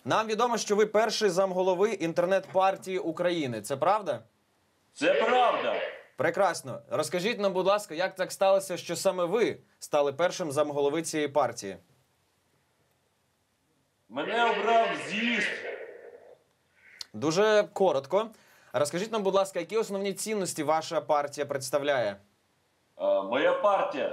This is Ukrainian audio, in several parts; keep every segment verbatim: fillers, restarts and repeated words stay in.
Нам відомо, що ви перший замголови інтернет-партії України. Це правда? Це правда. Прекрасно. Розкажіть нам, будь ласка, як так сталося, що саме ви стали першим замголови цієї партії? Мене обрав з'їзд. Дуже коротко. Розкажіть нам, будь ласка, які основні цінності ваша партія представляє? А, моя партія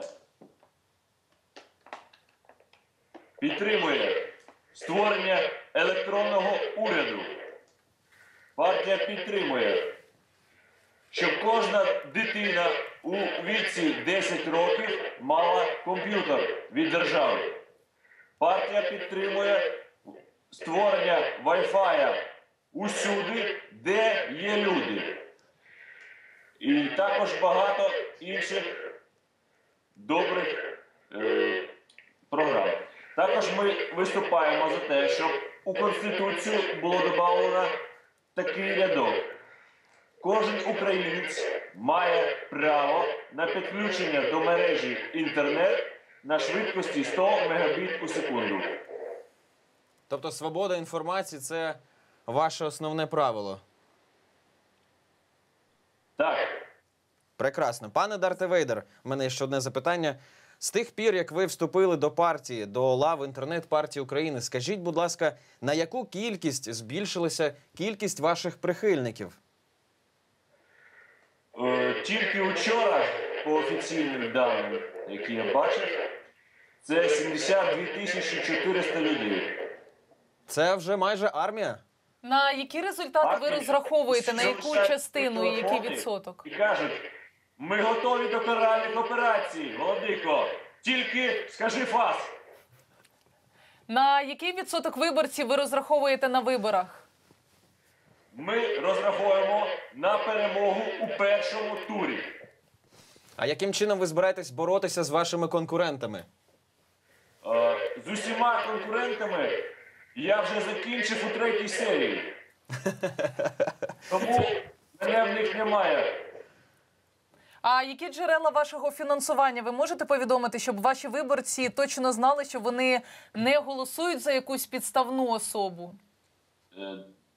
підтримує створення електронного уряду. Партія підтримує, щоб кожна дитина у віці десять років мала комп'ютер від держави. Партія підтримує створення вай-фая усюди, де є люди. І також багато інших добрих е, програм. Також ми виступаємо за те, щоб у Конституцію було додано такий рядок. Кожен українець має право на підключення до мережі інтернет на швидкості сто мегабіт у секунду. Тобто свобода інформації – це ваше основне правило? Так. Прекрасно. Пане Дарте Вейдер, в мене ще одне запитання. З тих пір, як ви вступили до партії, до лав інтернет-партії України, скажіть, будь ласка, на яку кількість збільшилася кількість ваших прихильників? Е, тільки вчора, по офіційним даним, які я бачив, це сімдесят дві тисячі чотириста людей. Це вже майже армія? На які результати ви розраховуєте, на яку частину і який відсоток? І кажуть, ми готові до каральних операцій, Володико, тільки скажи фас. На який відсоток виборців ви розраховуєте на виборах? Ми розраховуємо на перемогу у першому турі. А яким чином ви збираєтесь боротися з вашими конкурентами? Е, з усіма конкурентами я вже закінчив у третій серії. Тому мене в них немає. А які джерела вашого фінансування ви можете повідомити, щоб ваші виборці точно знали, що вони не голосують за якусь підставну особу? Е,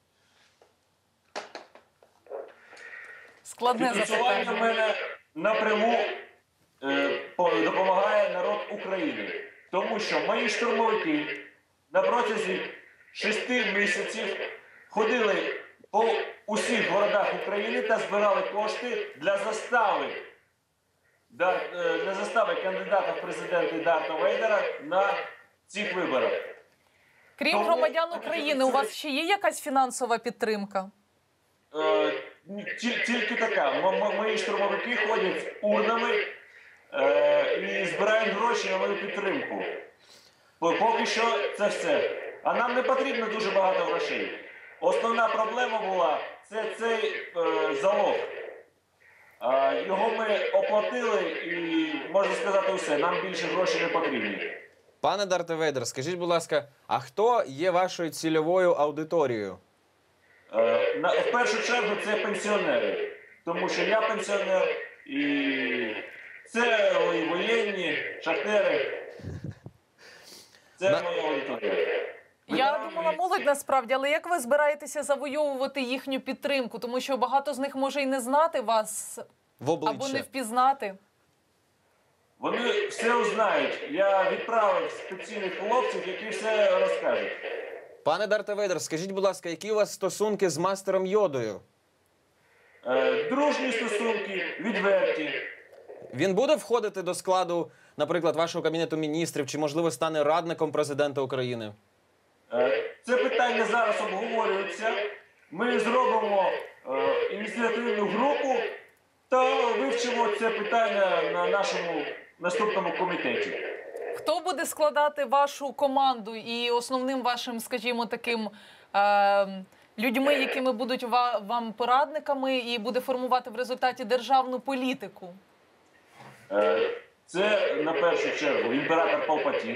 Складне Фінансування в запитання. мене напряму е, допомагає народ України. Тому що мої штурмовики на протязі шести місяців ходили по усіх городах України та збирали кошти для застави, для, для застави кандидата в президенти Дарта Вейдера на цих виборах. Крім Тому- громадян України, у вас ще є якась фінансова підтримка? Е, ті- тільки така. М- м- мої штурмовики ходять з урнами е, і збирають гроші на мою підтримку. По- Поки що це все. А нам не потрібно дуже багато грошей. Основна проблема була – це цей е, залог. Е, його ми оплатили і, можна сказати, все. Нам більше грошей не потрібні. Пане Дарте Вейдер, скажіть, будь ласка, а хто є вашою цільовою аудиторією? Е, на, в першу чергу це пенсіонери. Тому що я пенсіонер і це і воєнні, шахтери. Це На- моя аудиторія. Я думала, молодь насправді, але як ви збираєтеся завойовувати їхню підтримку? Тому що багато з них може і не знати вас В або не обличчя. впізнати. Вони все узнають. Я відправив спеціальних хлопців, які все розкажуть. Пане Дарте Вейдер, скажіть, будь ласка, які у вас стосунки з мастером Йодою? Е, дружні стосунки, відверті. Він буде входити до складу, наприклад, вашого Кабінету міністрів, чи, можливо, стане радником президента України? Е, це питання зараз обговорюється. Ми зробимо е, ініціативну групу та вивчимо це питання на нашому наступному комітеті. Хто буде складати вашу команду і основним вашим, скажімо, таким е, людьми, якими будуть ва вам порадниками і буде формувати в результаті державну політику? Е, це, на першу чергу, імператор Палпатін,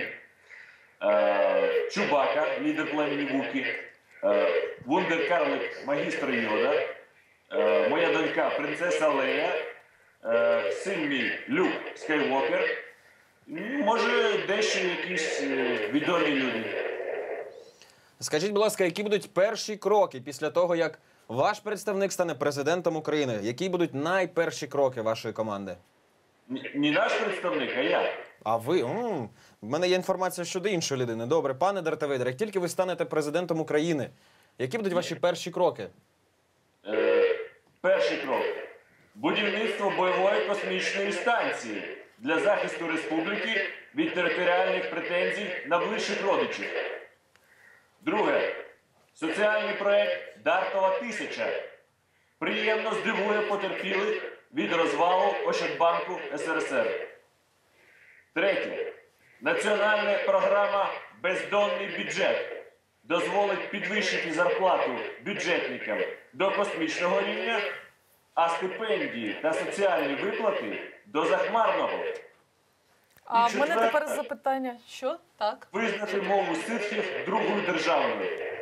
е, Чубака, лідер племені Вуки, е, вундеркарлик, магістр Йода, е, моя донька, принцеса Лея, е, син мій, Люк Скайуокер, може, дещо якісь е, відомі люди. Скажіть, будь ласка, які будуть перші кроки після того, як ваш представник стане президентом України? Які будуть найперші кроки вашої команди? Ні- Не наш представник, а я. А ви? М, в мене є інформація щодо іншої людини. Добре, пане Дарте Вейдер, як тільки ви станете президентом України, які будуть ваші перші кроки? Е, перший крок. Будівництво бойової космічної станції для захисту республіки від територіальних претензій на ближчих родичів. Друге. Соціальний проект Дартова тисяча приємно здивує потерпілих від розвалу Ощадбанку ес ер ес ер. Третє. Національна програма «Бездонний бюджет» дозволить підвищити зарплату бюджетникам до космічного рівня, а стипендії та соціальні виплати до захмарного. А І в мене четверте. тепер запитання. Що? Так. Визнати мову ситхів другою державною.